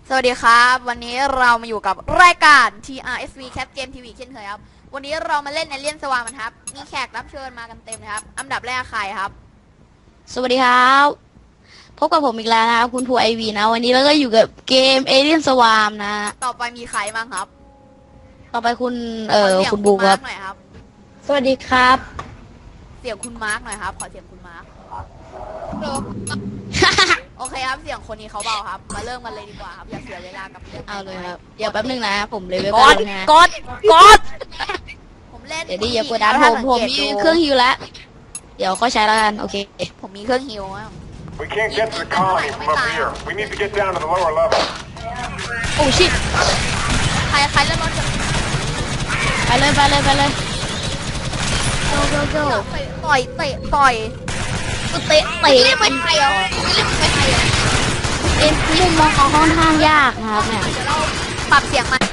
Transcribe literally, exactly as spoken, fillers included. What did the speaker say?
สวัสดีครับวันนี้เรามาอยู่กับรายการ ที อาร์ เอส วี Cat Game ที วี เช่นเคยครับวันนี้เรามาเล่นในเลียนสวามันครับมีแขกรับเชิญมากันเต็มเลยครับอันดับแรกใครครับสวัสดีครับพบกับผมอีกแล้วนะครับคุณภูไอวีนะวันนี้เราก็อยู่กับเกมเอเลียนสวามนะต่อไปมีใครบ้างครับต่อไปคุณเอ่อขสียงคุณบูคมารัร์บกหน่อยครับสวัสดีครับเสียงคุณมาร์กหน่อยครับขอเสียงคุณมาร์กโอเคครับเสียงคนนี้เขาเบาครับมาเริ่มกันเลยดีกว่าครับอย่าเสียเวลากับเรื่องเอาเลยครับเดี๋ยวแป๊บนึงนะผมเลยเว็บกดนะกดกดผมเล่นเดี๋ยวดิอย่ากดดันผมผมมีเครื่องฮิวแล้วเดี๋ยวค่อยใช้แล้วกันโอเคผมมีเครื่องฮิวอะ We can't get to the colony from up here. We need to get down to the lower level. โอ้ชิตใครใครเล่นรถจะไปเลยไปเลยไปเลยโจโจโจต่อยเตะต่อยเตะเตะเล่นไม่ไทยเหรอเล่นไม่ไทยเหรอเอ็นมุมมองเขาค่อนข้างยากนะครับเนี่ยเดี๋ยวเราปรับเสียงมัน